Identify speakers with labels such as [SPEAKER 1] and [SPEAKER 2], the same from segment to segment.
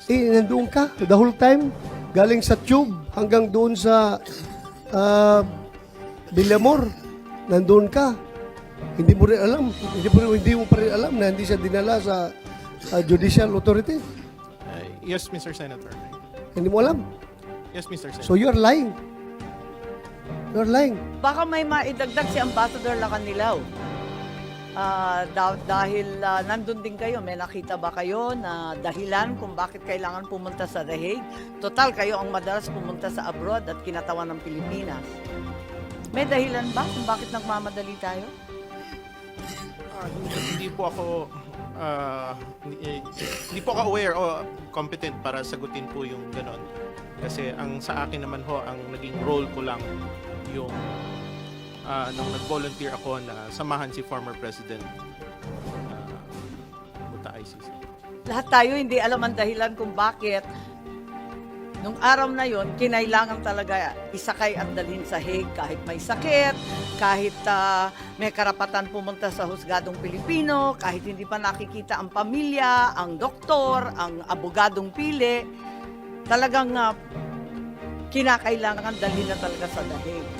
[SPEAKER 1] Nandoon ka the whole time, galing sa tube hanggang doon sa Villamor. Nandoon ka. Hindi mo rin alam. Hindi mo pa rin alam na hindi siya dinala sa judicial authority.
[SPEAKER 2] Yes, Mr. Senator.
[SPEAKER 1] Hindi mo alam.
[SPEAKER 2] Yes, Mr. Senator.
[SPEAKER 1] So you're lying. You're lying.
[SPEAKER 3] Baka may maidagdag si Ambassador Lacanilaw. Dahil nandun din kayo, may nakita ba kayo na dahilan kung bakit kailangan pumunta sa The Hague? Total, kayo ang madalas pumunta sa abroad at kinatawan ng Pilipinas. May dahilan ba kung bakit nagmamadali tayo?
[SPEAKER 2] Hindi po ako hindi po ako aware o competent para sagutin po yung ganon. Kasi ang sa akin naman ho, ang naging role ko lang yung nung nag-volunteer ako na samahan si former President Buta ICC.
[SPEAKER 3] Lahat tayo hindi alam ang dahilan kung bakit nung araw na yon kinailangan talaga isakay at dalhin sa Hague kahit may sakit, kahit may karapatan pumunta sa husgadong Pilipino, kahit hindi pa nakikita ang pamilya, ang doktor, ang abogadong pili, talagang kinakailangan dalhin na talaga sa The Hague.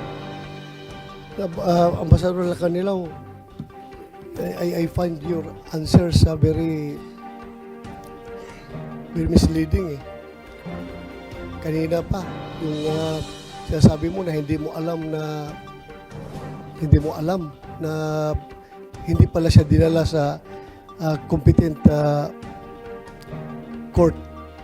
[SPEAKER 1] Ambassador Lacanilaw, I find your answers very misleading eh. Kanina pa, yung sinasabi mo na hindi mo alam na hindi pala siya dinala sa competent court,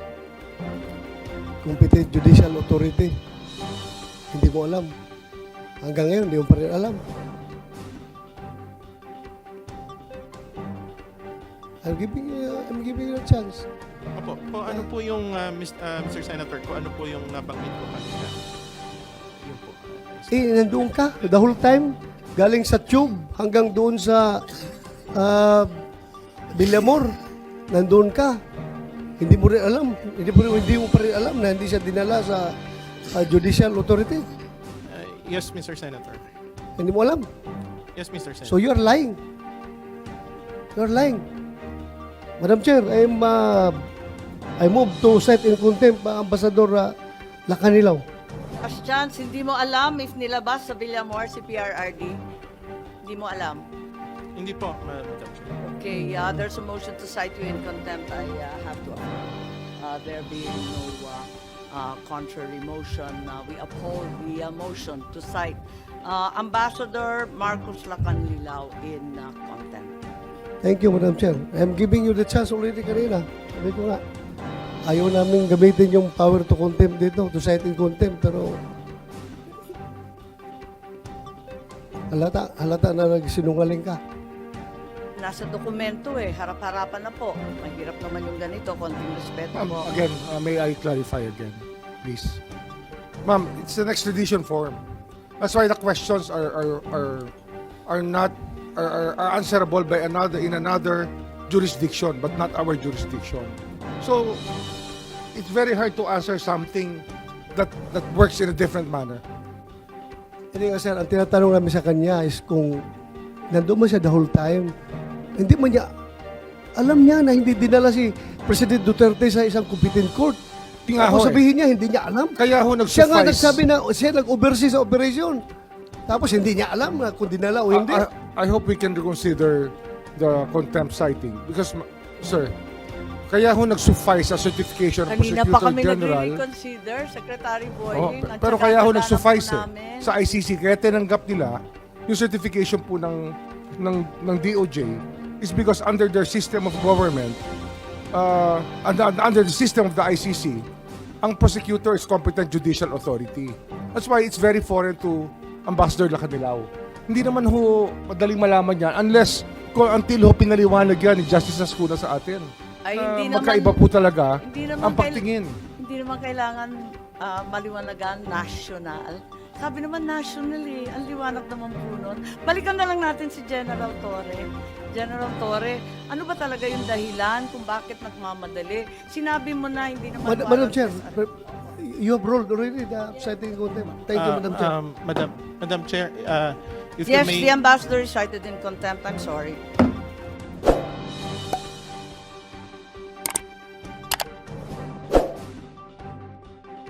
[SPEAKER 1] competent judicial authority. Hindi mo alam. Hanggang ngayon, hindi mo pa rin alam. I'm giving you a chance.
[SPEAKER 2] Opo, ano po yung Mr. Senator ko, ano po yung nabanggit ko kanina? Yun po.
[SPEAKER 1] Nandoon ka the whole time, galing sa tube hanggang doon sa Villamor. Nandoon ka. Hindi mo rin alam. Hindi mo pa rin alam na hindi siya dinala sa judicial authority.
[SPEAKER 2] Yes, Mr. Senator.
[SPEAKER 1] Hindi mo alam.
[SPEAKER 2] Yes, Mr. Senator.
[SPEAKER 1] So you're lying. You're lying. Madam Chair, I move to cite in contempt Ambassador Lacanilaw.
[SPEAKER 3] As chance, hindi mo alam if nilabas sa Villamor si PRRD? Hindi mo alam?
[SPEAKER 2] Hindi po, Madam Chair.
[SPEAKER 3] Okay, there's a motion to cite you in contempt. I have to affirm. There being no contrary motion, we uphold the motion to cite Ambassador Marcos Lacanilaw in contempt.
[SPEAKER 1] Thank you, Madam Chair. I'm giving you the chance already kanina. Sabi ko nga, ayaw namin gamitin yung power to contempt dito, to cite in contempt, pero halata na nagsinungaling ka.
[SPEAKER 3] Nasa dokumento harap-harapan na po. Mahirap naman yung ganito, konting respeto po.
[SPEAKER 4] Again, may I clarify again, please? Ma'am, it's an extradition form. That's why the questions are answerable by in another jurisdiction, but not our jurisdiction. So it's very hard to answer something that works in a different manner.
[SPEAKER 1] Hindi nga sir, ang tinatanong namin sa kanya is kung nandun man siya the whole time, hindi man niya, alam niya na hindi dinala si President Duterte sa isang competent court. Tapos sabihin niya, hindi niya alam.
[SPEAKER 4] Kaya ho
[SPEAKER 1] Siya nga
[SPEAKER 4] nag-suffice.
[SPEAKER 1] nagsabi na siya nag-oversee sa operation. Tapos hindi niya alam na kung dinala o hindi.
[SPEAKER 4] I hope we can reconsider the contempt citing because, sir, kaya ho nag-suffice sa certification ng
[SPEAKER 3] Kanina pa
[SPEAKER 4] Prosecutor
[SPEAKER 3] kami
[SPEAKER 4] General.
[SPEAKER 3] nag-reconsider, Secretary Boying. at
[SPEAKER 4] Pero
[SPEAKER 3] saka
[SPEAKER 4] kaya ho
[SPEAKER 3] dadaanan
[SPEAKER 4] nag-suffice
[SPEAKER 3] po namin.
[SPEAKER 4] sa ICC, kaya tinanggap nila yung certification po ng DOJ is because under their system of government, under the system of the ICC, ang prosecutor is competent judicial authority. That's why it's very foreign to Ambassador Lacanilaw. Hindi naman ho madaling malaman yan until ho pinaliwanag yan ni Justice Ascuna sa atin.
[SPEAKER 3] Ay,
[SPEAKER 4] Na
[SPEAKER 3] hindi
[SPEAKER 4] magkaiba
[SPEAKER 3] naman,
[SPEAKER 4] po talaga
[SPEAKER 3] hindi naman
[SPEAKER 4] ang pagtingin.
[SPEAKER 3] Hindi naman kailangan maliwanagan national. Sabi naman national ang liwanag naman po nun. Balikan na lang natin si General Torre. General Torre, ano ba talaga yung dahilan kung bakit nagmamadali? Sinabi mo na hindi naman
[SPEAKER 1] Madam Chair, you have ruled already the citing contempt. Thank you, Madam Chair.
[SPEAKER 2] Madam Chair, if
[SPEAKER 3] Yes,
[SPEAKER 2] you may...
[SPEAKER 3] the ambassador is cited in contempt. I'm sorry.